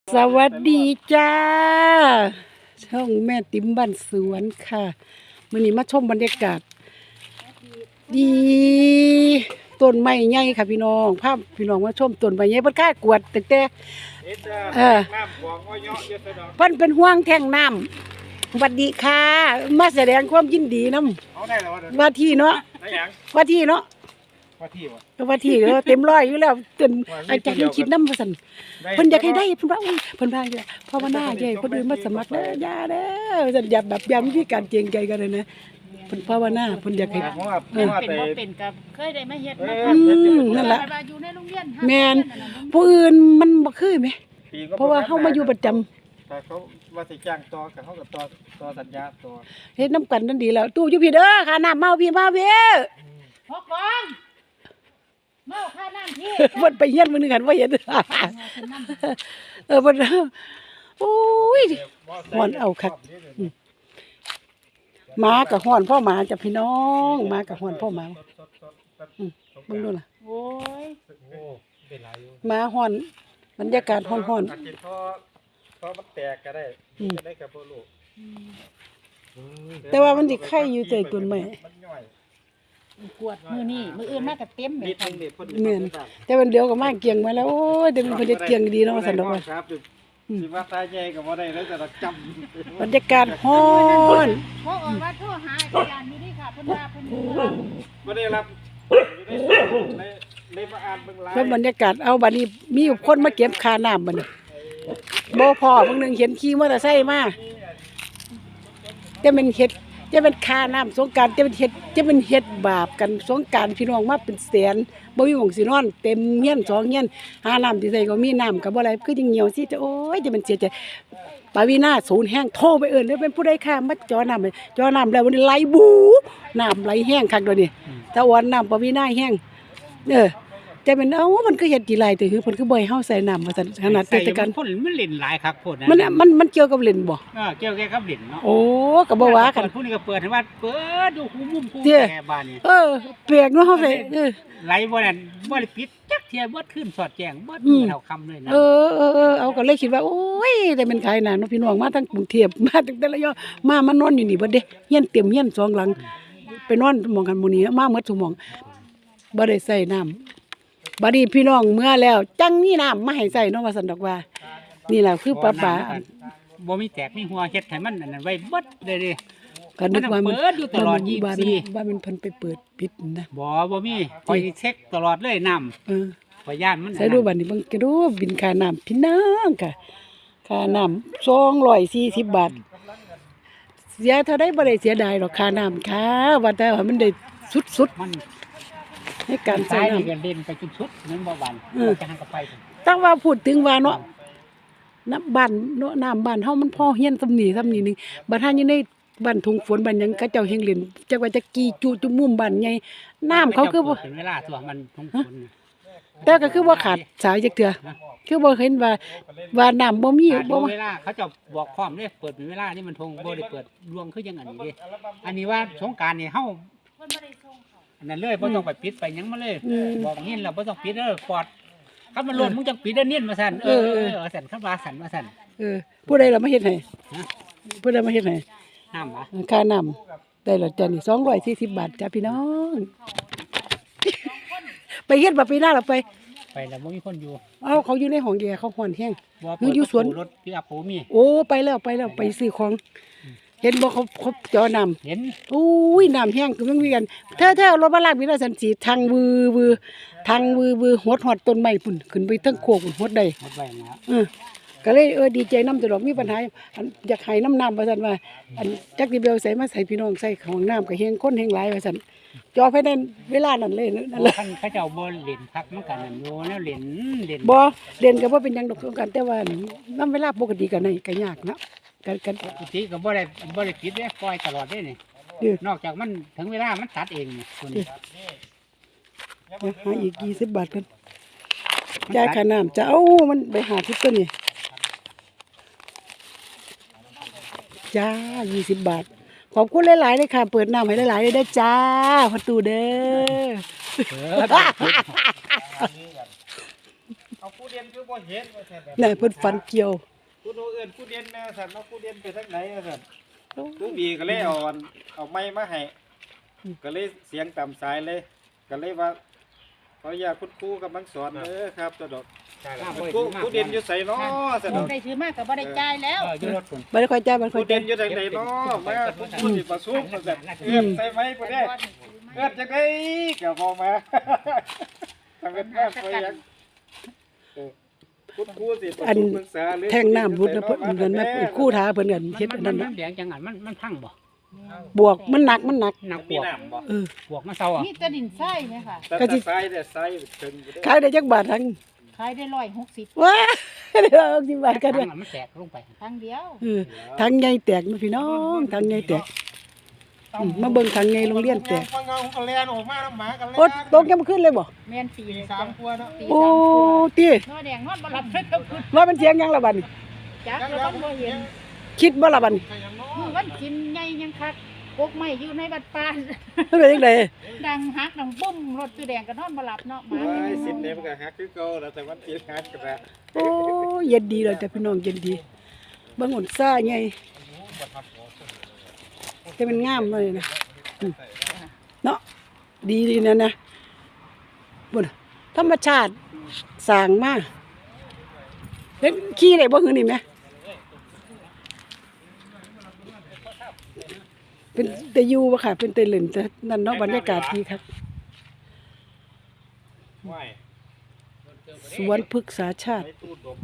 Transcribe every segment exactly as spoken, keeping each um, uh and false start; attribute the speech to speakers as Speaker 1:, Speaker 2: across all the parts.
Speaker 1: สวัสดีจ้าช่องแม่ติ๋มบ้านสวนค่ะมื้อนี้มาชมบรรยากาศดีต้นไม้ใหญ่ค่ะพี่น้องภาพพี่น้องมาชมต้นไม้ใหญ่เพิ่นค่ากวดตั้งแต่เออเพิ่นเป็นห่วงแท่งน้ำสวัสดีค่ะมาแสดงความยินดีนำว่าที่เนาะว่าที่เนาะว่าที่บ่ก็ว่าที่เด้อเต็มร้อยอยู่แล้วจนอาจารย์ยังคิดนำว่าซั่นเพิ่นอยากให้ได้เพิ่นว่าอุ้ยเพิ่นว่าอยู่ภาวนาใหญ่คนอื่นมาสมัครเด้อย่าเด้อซั่นอย่าแบบย้ำที่การเกรงใจกันเลยนะเพิ่นภาวนาเพิ่นอยากให้
Speaker 2: เออเป็นบ่เป็นกับเคยได้มาเฮ็ดมาท
Speaker 1: ำนั่นล่ะ
Speaker 2: อยู่ในโรงเรียน
Speaker 1: แม่นผู้อื่นมันบ่คือแหมเพราะว่าเฮามาอยู่ประจำ
Speaker 3: ถ้าเขาว่าสิจ้างต่อก็เฮาก็ต่อต่อสัญญาต่อ
Speaker 1: เฮ็ดนำกันนั่นดีแล้วตู้อยู่พี่เด้อค่าน้ำเมาพี่มาเว้ย
Speaker 2: พอก่อนเมาค่าน้ำพี่
Speaker 1: เพิ่นไปเฮียนมื้อนึงกันบ่เห็นเออเพิ่นโอ้ยฮ้อนเอาคักหมาก็ฮ้อนพ่อหมาจ้ะพี่น้องหมาก็ฮ้อนพ่อหมาอือเบิ่งดูล่ะ
Speaker 2: โอ้ย
Speaker 3: โอ้เป็นหลายอยู่
Speaker 1: หมาฮ้อนบรรยากาศฮ้อน
Speaker 3: ๆอาจสิพอพอมันแตกก็ได้จะได้กับบ่รู้
Speaker 1: แต่ว่ามันสิไข่อยู่ใจต้นไม้
Speaker 2: กวดมื้อนี้มื้ออื่นมาก็เต็มแม่น
Speaker 1: แม่นแต่วันเดียวก็มาเกียงมาแล้วโอ้ยเดี๋ยวมันเฮ็ดเกียงดีเนาะซั่นดอกว่า
Speaker 3: สิว่าตาใหญ่ก็บ่ได้แล้วจะจ
Speaker 1: บ
Speaker 3: ำ
Speaker 1: รรยากาศฮ้อน
Speaker 2: พอออกว่าโทรหาอาจารย์อยู่นี่ค่ะเพิ่นว่าเพิ่น
Speaker 3: บ่ได้รับได้ได้มาอ่านเบิ่งไลน์
Speaker 1: แล้วบรรยากาศเอาบัดนี้มีคนมาเก็บค่าน้ำบัดนี้บ่พอเพิ่งนึงเห็นขี่มอเตอร์ไซค์มาจะเป็นเฮ็ดจะเป็นค่าน้ำสงกรานต์จะเป็นเฮ็ดจะเป็นเฮ็ดบาปกันสงกรานต์พี่น้องมาเป็นแสนบ่มีหม้องสินอนเต็มเฮียนสองเฮียนหาน้ำสิใส่ก็มีน้ำก็บ่ไหลคือจังเหี่ยวสิจะโอ้ยจะเป็นเสียใจปาวีนาศูนย์แห้งโทรไปเอิ้นเด้อเป็นผู้ใดค่ะมาจ่อน้ำจ่อน้ำแล้ววันนี้ไหลบูน้ำไหลแห้งคักเดี๋ยวนี้ตะวันน้ำปาวีนาแห้งเออจะเป็นเอ้ามันก็เฮ็ดกี่ไรแต่คือเพิ่นคือบ่ให้เฮาใส่น้ำว่าซั่นขนาดเทศกาล
Speaker 4: พ่นมันเล่นหลายคักพ่น
Speaker 1: มันมันมันเกี่ยวกับเล่นบ่
Speaker 4: เออเกี่ยวกับเล่นเนาะ
Speaker 1: โอ้ก็บ่ว่ากัน
Speaker 4: ผู้นี้ก็เปิดให้ว่าเปิดดูหูมุมผู้แก่บ้านนี่
Speaker 1: เออแปลกเนาะเฮาใส่เออ
Speaker 4: ไหลบ่นั่นบ่ได้ปิดจักเที่ยบ่ขึ้นสอดแจ้งบ่เท่าคำเลยนะ
Speaker 1: เออเออเอาก็เลยคิดว่าโอ้ยได้เป็นขายหน้าเนาะพี่น้องมาทั้งกรุงเทพมาตั้งแต่ละยอมามานอนอยู่นี่เบิดเด้เฮียนเต็มเฮียนสองหลังไปนอนหม่องกันหมู่นี้มาหมดซุหม่องบ่ได้ใส่น้ำบัดนี้พี่น้องเมื่อแล้วจังมีน้ำมาให้ใส่เนาะว่าซั่นดอกว่านี่ล่ะคือป้าป๋า
Speaker 4: บ่มีแตกมีหัวเฮ็ดให้มันอันนั้นไว้เบิดเลยดิ
Speaker 1: ก็นึกว่ามัน
Speaker 4: เปิดอยู่ตลอดยี่สิบสี่
Speaker 1: ว่ามันเพิ่นไปเปิดปิดนะ
Speaker 4: บ่บ่มีคอยเช็คตลอดเลยน้ำ
Speaker 1: เออ
Speaker 4: ขอยย่านมัน
Speaker 1: ใส่ดูบัดนี้เบิ่งก็ดูบินค่าน้ำพี่น้องค่ะค่าน้ำสองร้อยสี่สิบบาทเสียเท่าใดบ่ได้เสียดายหรอกค่าน้ำค่ะว่าแต่ว่ามันได้สุดๆ
Speaker 4: มัน
Speaker 1: ให้การใส่น้ำ
Speaker 4: กันเล่นไปจุดชุดนั้นบ่หวานจะหันกับไป
Speaker 1: ตั้งว่าพูดถึงว่าเนาะน้ำบ้านเนาะน้ำบ้านเฮามันพอเฮียนซำนี้ซำนี้นึงบัดหาอยู่ในบ้านทุ่งฝนบ้านหยังเขาเจ้าเฮงเล่นจักว่าจะกี่จุจุมุมบ้านใหญ่น้ำเขาคือบ่
Speaker 4: เป็นเวลาตัวมันทุ่งฝน
Speaker 1: แต่ก็คือบ่ขาดสายจักเทื่อคือบ่เห็นว่าว่าน้ำบ่มีบ่
Speaker 4: เวลาเขาจะบอกพร้อมเด้เปิดเป็นเวลานี่มันทงบ่ได้เปิดรวงคือจังอันนี้เด้อันนี้ว่าสงกรานต์นี่เฮาเพิ่นบ่ได้ส่งอันนั้นเลยบ่ต้องไปปิดไปหยังมาเลยบอกเงี้ยแล้วบ่ต้องปิดเด้อปอดคันมันหล่นมึงจังปิดเด้อเนียนมาสั่นเออเออสั่นคันว่าสั่นมาสั่น
Speaker 1: เออผู้ใดล่ะมาเฮ็ดให้ผู้ใดมาเฮ็ดให้
Speaker 4: น้ำบ่
Speaker 1: ค่าน้ำได้แล้วจ้ะนี่สองร้อยสี่สิบบาทจ้ะพี่น้องไปเฮ็ดบ่ปีหน้าล่ะไป
Speaker 4: ไปแล้วบ่มีคนอยู่
Speaker 1: เอ้าเขาอยู่ในห้องแอร์เขาฮ้อนแฮง
Speaker 4: คืออยู่สวนรถพี่อัพโหมี
Speaker 1: โอ้ไปแล้วไปแล้วไปซื้อของเห็นบ่เขาเขาจอน้ำ
Speaker 4: เห็น
Speaker 1: อุ้ยน้ำแห้งคือมันมีกันเธอเธอรถมาลากมีแล้วสันสีทางวือวือทางวือวือหดหอดต้นไม้พุ่นขึ้นไปทั้งโคกหดได้
Speaker 4: หดไว้นะ
Speaker 1: เออก็เลยเออดีใจน้ำตลอดมีปัญหาอยากให้น้ำน้ำว่าซั่นว่าอันจักสิเบลใส่มาใส่พี่น้องใส่ของน้ำก็เฮงคนเฮงหลายว่าซั่นจอภายในเวลานั้นเลยนั่นแหละ
Speaker 4: คันเขาเจ้าบ่เล่นพักมันกันนั่นอยู่แนวเล่นเล่น
Speaker 1: บ่เล่นก็บ่เป็นหยังดอกกันแต่ว่าน้ำเวลาปกติก็ได้ก็ยากเนาะกันกัน
Speaker 4: ปกติก็บ่ได้บ่ได้ปิดเด้ปล่อยตลอดเด้นี่นอกจากมันถึงเวลามันตัดเองนี่คนนี้
Speaker 1: หาอีกยี่สิบบาทกันจ่ายค่าน้ำจะเอามันไปหาทิพย์ตัวนี้จ้ายี่สิบบาทขอบคุณหลายๆเลยค่ะเปิดน้ำให้หลายๆเลยได้จ้าประตูเด้อ
Speaker 3: เอาผู้เด่นคือบ่เห็นว่าซั่นแบบ
Speaker 1: น่ะเพิ่นฝันเกี่ยว
Speaker 3: ผู้โนเอิ้นผู้เด่นแม่ซั่นเนาะผู้เด่นไปทางไหนว่าซั่นผู้บีก็เลยเอาอันเอาไม้มาให้ก็เลยเสียงต่ำสายเลย ก็เลยว่าขออนุญาตคุณครูกำลังสอนเด้อครับสะดอกคุณครูผู้เด่นอยู่ไสเนาะสะดอก
Speaker 2: ได้ถือมากก็บ่ได้จ่ายแล้ว
Speaker 4: เอออยู่รถพุ่น
Speaker 1: บ่ได้ค่อยจ่ายบ่ค่อ
Speaker 3: ผู้
Speaker 1: ย
Speaker 3: เด่
Speaker 1: จ่าย
Speaker 3: นอยู่ทางไหนเนาะมาคุณครูสิประชุมว่าซั่นเอื้อนใส่ไม้บ่ได้เอื้อนจังได๋ก็บ่มาทำเป็นงานไปยังเออคุณครูสิประชุมปรึกษาหรือ
Speaker 1: แทงน้ำรุดนะเพิ่นนั่นแม่คู่ท้าเพิ่นกันเฮ็ดอัน
Speaker 4: มั
Speaker 1: นั้น น
Speaker 4: มั
Speaker 1: น่ะ
Speaker 4: นแดงจังหันมันมันพังบ่
Speaker 1: บวกมันหนักมันหนัก
Speaker 4: หนักป
Speaker 3: มี
Speaker 4: วก
Speaker 3: น้ำบ่
Speaker 1: เออ
Speaker 4: ปวกมาเซาอ่ะ
Speaker 2: นี่จะดินไส้ไหมค่ะ
Speaker 3: แต่
Speaker 1: ก็สิ
Speaker 3: ถ้าใส่แต่ใส่ถึงอยู่เด้อ
Speaker 1: ขายได้จักบาททั้ง
Speaker 2: ขายได้ร้อยหกสิบ
Speaker 1: ว้าเดี๋ยวเอาสิบบาทก็ได้
Speaker 4: ถังอะมันแตกลงไป
Speaker 2: ครั้งเดียว
Speaker 1: เออทั้งใหญ่แตกนะพี่น้องทั้งใหญ่แตกอืมมาเบิ่งทั้งใหญ่โรงเรียนแตก
Speaker 3: ฟังเงาก็แลนออกมาน้ำหมากันแลน
Speaker 1: โอ๊ตตกยังบ่ขึ้นเลยบ่
Speaker 2: แม่นตี
Speaker 3: สา
Speaker 2: สาม ม
Speaker 3: กว่าเนาะ
Speaker 2: ตี
Speaker 1: โอ้
Speaker 2: สาม
Speaker 1: ติ
Speaker 2: นอแดงนอนบ่หลับเลยก็คือ
Speaker 1: ว่ามันเสียงยังล่ะบัดนี้
Speaker 2: จักแล้วมันบ่เห็น
Speaker 1: คิดบ่ล่ะบัดนี้
Speaker 2: มือวันกินใหญ่ยังคักกกไม้อยู่ในบัดปาน
Speaker 1: มันเป็นจังได๋
Speaker 2: ดังฮักดังปุ้มรถตัวแดงก็นอนบ่หลับเนาะหมา
Speaker 3: ไอ้สิบเนี่ยมันก็หักคือเก่าแล้วแต่วันที่หักก็ได้
Speaker 1: โอ้เย็นดีเลยแต่พี่น้องเย็นดีเบิ่งหนซ่าใหญ่แต่มันงามเลยนะอืมเนาะดีดีนะนะบ่น่ะธรรมชาติสร้างมาเห็นขี้ได้บ่หือนี่แหมเป็นแต่อยู่บ่ค่ะเป็นแต่เล่นแต่นั่นเนาะบรรยากาศดีครับ
Speaker 3: ไหว
Speaker 1: สวนพฤกษาชาติ
Speaker 3: ไอ้ตู้ดม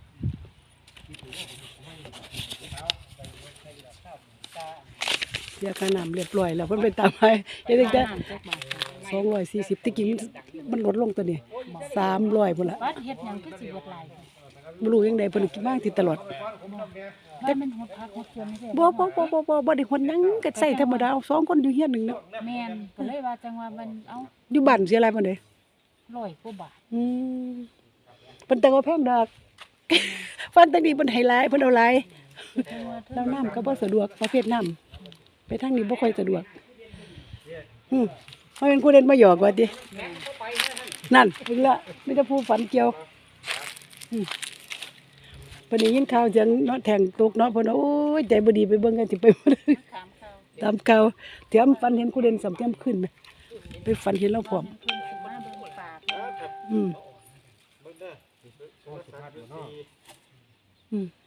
Speaker 1: เสียค่าน้ำเรียบร้อยแล้วเพิ่นไปตามให้เฮ็ดจังแต่
Speaker 2: น้ำจักบาท
Speaker 1: สองร้อยสี่สิบตะกี้มันมันลดลงตัวนี้สามร้อยพุ่นละ
Speaker 2: วัดเฮ็ดหยังคือสิเบิดหลาย
Speaker 1: บ่รู้ยังไดเพิ่นกินมาที่ตลอด
Speaker 2: ว่ามันหดพักหดชวนไม่ใช่
Speaker 1: บ่บ่บ่บ่บ่บ่ได้คนหยังก็ใส่ธรรมดาเอาสองคนอยู่เฮียนหนึงเนาะ
Speaker 2: แม่นก็เลยว่าจังว่ามันเอา
Speaker 1: อยู่บ้านเสียหลายปานใด
Speaker 2: ร้อยกว่าบาท
Speaker 1: อืมเพิ่นแต่ว่าแพงดอก ฟันตะนี้เพิ่นให้หลายเพิ่นเอาหลาย
Speaker 2: จังว่าเธอ
Speaker 1: แล้วน้ำก็บ่สะดวกประเภทน้ำไปทางนี้บ่ค่อยสะดวกอืมเฮาเป็นผู้เล่นมาหยอกว่าตินั่นเพิ่นละมีแต่ผู้ฝันเกี่ยวอืมเพิ่นได้ยินข่าวจังเนาะแทงตกเนาะเพิ่นว่าโอ้ยใจบ่ดีไปเบิ่งกันสิไปบ่ได้
Speaker 2: ถามเขา
Speaker 1: ตามข่าวเตรียมฝันเห็นผู้เล่นสำเตรียมขึ้นไหมไปฝันเห็นเราพร้อม
Speaker 2: เพิ่นสิมาเบิ่งปาก
Speaker 1: อืม
Speaker 3: เบิ่งเด้อโทรศัพท์อยู่เนาะ
Speaker 1: อืม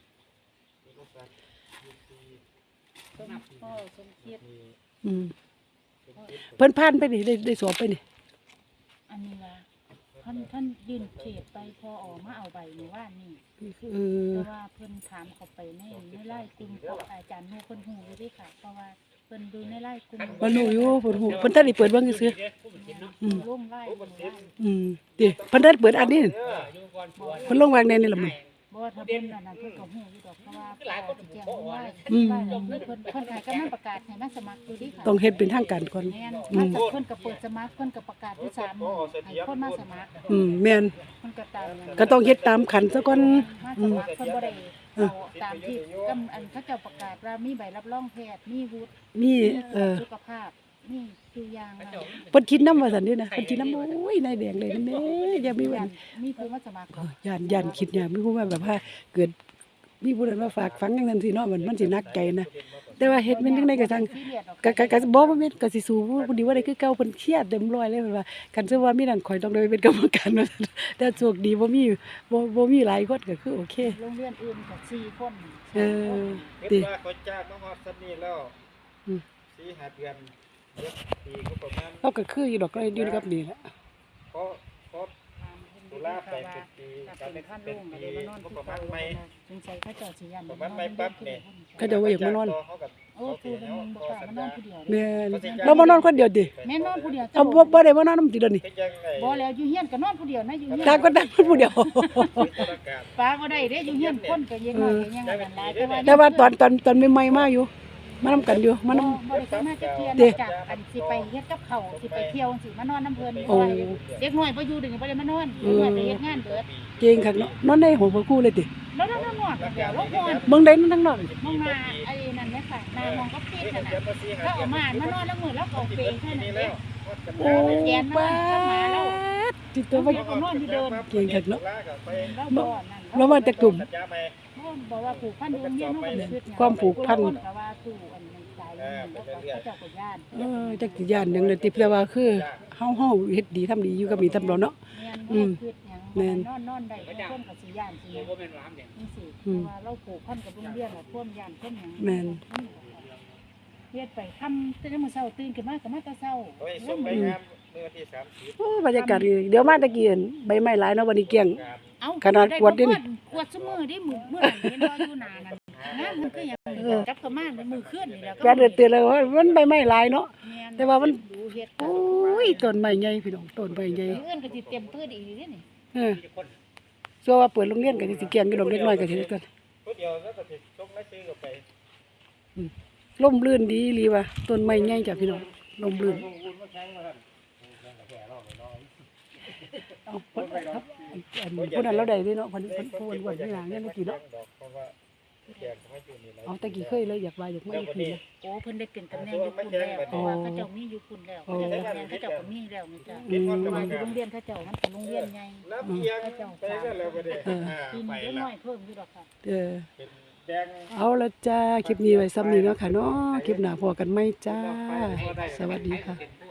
Speaker 2: พ่อสมคิด
Speaker 1: อืมเพิ่นผ่านไปนี่ได้ได้สอบไปนี่
Speaker 2: อันนี้ว่าท่านท่านยื่นเขตไปพอออกมาเอาใบในว่านี่
Speaker 1: เออ
Speaker 2: แต่ว่าเพิ่นถามเขาไปในในไล่กลุ่มของอาจารย์ฮู้เพิ่นฮู้อยู่เด้ค่ะเพราะว่าเพิ่นดูในไล่กลุ่ม
Speaker 1: บ่รู้อยู่เพิ่นฮู้เพิ่นทันได้เปิดเบิ่งซื่อ
Speaker 2: อืมร่วมไล่หมู่บ้าน
Speaker 1: ๆอืมติเพิ่นทันเปิดอันนี้เพิ่นลงวางในนี่ล่ะมัน
Speaker 2: บ่ว่าถ้าเพิ่นนั่นน่ะเพิ่นก็ฮู้อยู่ดอกเพราะว่าพ่อสิแจ้งว่า
Speaker 1: อืม
Speaker 2: บ้านนี้เพิ่นเพิ่นให้กำลังประกาศให้มาสมัครอยู่เดิค่ะ
Speaker 1: ต้องเฮ็ดเป็นทางการก่อน
Speaker 2: แม่น
Speaker 1: อื
Speaker 2: มาม จากเพิ่นก็เปิดสมัครเพิ่นก็ประกาศที่สามมื้อให้คนมาสมัคร
Speaker 1: อืมแม่น
Speaker 2: เพิ่นก็ตามนั้น
Speaker 1: ก็ต้องเฮ็ดตามขันซะก่อน
Speaker 2: มาสมัครเพิ่นบ่ได้เอาตามที่กำอันเขาเจ้าประกาศว่ามีใบรับรองแพทย์มีวุฒิ
Speaker 1: มีเออ
Speaker 2: สุขภาพนี่คืออย่างนั้น
Speaker 1: เพิ่นคิดนำว่าซั่นนี่นะเพิ่นคิดนำโอ้ยนายแดงเลยนี่แม่อย่ามีวัน
Speaker 2: มีผู้มาสมัคร
Speaker 1: เออย่านย่านคิดอย่างมีผู้ว่าแบบว่าเกิดมีผู้ใดมาฝากฝังจังซั่นสิเนาะมันมันสิหนักใจนะแต่ว่าเฮ็ดมันจังได๋ก็ซั่ง
Speaker 2: ซีเรียสออก
Speaker 1: ก็ก็ก็บ่ว่าแม่นก็สิสู้ผู้ดีว่าได้คือเก่าเพิ่นเครียดเต็มร้อยเลยเพิ่นว่าคันซะว่ามีนั่นข่อยต้องได้ไปเป็นกรรมการว่าซั่นแต่โชคดีบ่มีบ่บ่มีหลายคนก็คือโอเค
Speaker 2: โรงเรียนอื่นก็สี่คน
Speaker 1: เออ
Speaker 3: คิ
Speaker 1: ติ
Speaker 3: ดว่าเขาจ้างมาฮอดซันนี่แล้ว
Speaker 1: อืม
Speaker 3: สี่ห้าเดือนเจ็ดปีก็ประมาณ
Speaker 1: เราก็คืออยู่ดอกก็อยู่กับนี่แหละ
Speaker 3: เพราะเพราะ ตุลาไปเป็นปี
Speaker 2: ถ้าเป็นขั้นลงอะไรมานอนที่เก่าสงสัยเขาเจ้าสิยัน
Speaker 3: ประมาณไม่ปั๊บเนี่ย
Speaker 1: ก็จะว่าอยากมานอน
Speaker 3: เขากับ
Speaker 2: โอ้ครูเป็นบ่กล้ามานอนผู้เดียว
Speaker 1: แม่นเรามานอนคนเดียวติ
Speaker 2: แม่นอนผู้เดียว
Speaker 1: เอาบ่บ่ได้มานอนนำติเดยวนี่
Speaker 3: ก็ยังไง
Speaker 2: บ่แล้วอยู่เฮียนก็นอนผู้เดียวนะอยู่เฮียน
Speaker 1: ต่างคนต่างคนผู้เดียว
Speaker 3: ตุลาการ
Speaker 2: ป้าบ่ได้เด้อยู่เฮียนคนก็ยังน้อยก็ยังอันนั้นหลายแต่ว่า
Speaker 1: แต่ว่าตอนตอนตอนใหม่ๆมาอยู่มานำกันอยู่มานำ
Speaker 2: บ่ได้เคยมาจักเที่ยนอกจากอันสิไปเฮ็ดกับเขาวสิไปเที่ยวสิมานอนน้ำเพิ่นเพราะว่าเด็กน้อยบ่อยู่เดึงบ่ได้มานอนเด็กน้อยไปเฮ็ดงานเบิด
Speaker 1: เก่งคักเนาะนอนในห้องพระครูเลยติ
Speaker 2: แล้วนอนนอนกันแล้วนอน
Speaker 1: เบิ่งได้นั่นทั้งนอก
Speaker 2: มองมาไอ้นั่นแหละค่ะหน้ามองก็ปิดนั่นน่ะแล้วเอามามานอนแล้วมื้อแล้วก็เอาเปรย์แค่นั้นเอง
Speaker 1: โอ้
Speaker 2: แกน
Speaker 1: ป้า
Speaker 2: มากับหมาแล้ว
Speaker 1: ดจิตตัวว่า
Speaker 2: เพิ่นนอนอยู่เดิน
Speaker 1: เก่งคักเนาะ
Speaker 2: เราบ่นั่น
Speaker 1: เรามาแต่กลุ่ม
Speaker 3: สัญญาใหม่
Speaker 2: บอกว่าผูกพันอยู่โรงเรียนเฮาก็บ่คิดหยัง
Speaker 1: ความผูกพัน
Speaker 2: ก็ว่าตู้อันนั้นใจแล้วก็เขาเจ้าก็ย่าน
Speaker 1: เออจักสิย่านหยังเลยติเพื่อว่าคือเฮาเฮาเฮ็ดดีทำดีอยู่กับมีตำรวจเนาะ
Speaker 2: แม่นบ่คิดหยัง
Speaker 1: แม่น
Speaker 2: นอนนอนได้เพิ่นก็สิย่านสิ
Speaker 4: บ่แม่นว่าหามเด้
Speaker 2: จังซี่
Speaker 1: อืม
Speaker 2: ว่าเราผูกพันกับโรงเรียนน่ะท่วมย่านท่วมหยัง
Speaker 1: แม่น
Speaker 2: เฮ็ดไปค่ำตื่นมื้อเช้าตื่นขึ้นมาก็มาแต่เช้า
Speaker 3: โอ้ยส่งไปงามเมื่อวันที่สามสิบ
Speaker 1: โอ้บรรยากาศดีเดี๋ยวมาตะกี้เห็นใบไม้หลายเนาะวันนี้เกลี้ยง
Speaker 3: ครับ
Speaker 2: เอ้า
Speaker 1: ขนาดกวดดิ
Speaker 2: ได้กวดซุมื้อดิมื้อมื้อนั้นเห็นบ่อยู่หน้านั่นงานมันคือหยังจับเข้ามาในมื้อคืนนี่แหล้ว
Speaker 1: แกเดือดเตือนเลยว่ามันใบไม้หลายเนาะ
Speaker 2: น
Speaker 1: แต่ว่ามัน
Speaker 2: ดูเฮ็ด
Speaker 1: โอ้ยต้นไม้ใหญ่พี่น้องต้นไม้ใหญ่
Speaker 2: เอื้อนก็สิเตรียมพื้นอีกนี่นี่
Speaker 1: เออซัวว่าเปิดโรงเรียนก็สิเกลี้ยงอยู่ดอกเล็กน้อยก็สิได้กัน
Speaker 3: ผู้เดียวแล้วก็สิส่งรายชื่อเข้าไป
Speaker 1: ร่มรื่นดีอีหลีว่ะต้นไม้ใหญ่จ้ะพี่น้องร่มรื่น
Speaker 3: ลงทุนมาแข่งมาท่านแข่งกับแก่รอบน้อย
Speaker 1: เอาเพิ่นครับอันผู้นั้นเราได้เด้เนาะเพิ่นเพิ่นผู้อ้วนๆนี่ล่ะเนี่ยเมื่อกี้เนาะ
Speaker 3: เพราะว่าแก่ไม่อยู่นี่แล้ว
Speaker 1: เอาตะกี้เคยเลยอยากว่าอยากมาอยู่พี่นะ
Speaker 2: โอ้เพิ่นได้เป็นตำแหน่งอยู่พุ่นแล้วเพราะว่าเขาเจ้ามีอยู่พุ่นแล้วเขาเจ้าตำแหน่งเขาเจ้าก็มีแล้วนี่จ้ะ
Speaker 1: อืม
Speaker 2: แต่ว่าอยู่โรงเรียนเขาเจ้ามันเป็นโรงเรียนใหญ่
Speaker 3: แล้วเพียงไปก็แล้วก็ได้อ่า
Speaker 2: ปี
Speaker 3: ไป
Speaker 2: นี้เล็ก
Speaker 3: ละ
Speaker 2: น้อยเพิ่มอยู่ดอกค่ะ
Speaker 1: เออ
Speaker 3: เป็นแดง
Speaker 1: เอาละจ้าคลิปนี้ไว้ซ้ำนี้เนาะค่ะเนาะคลิปหน้าพอกันไหมจ้า สวัสดีค่ะ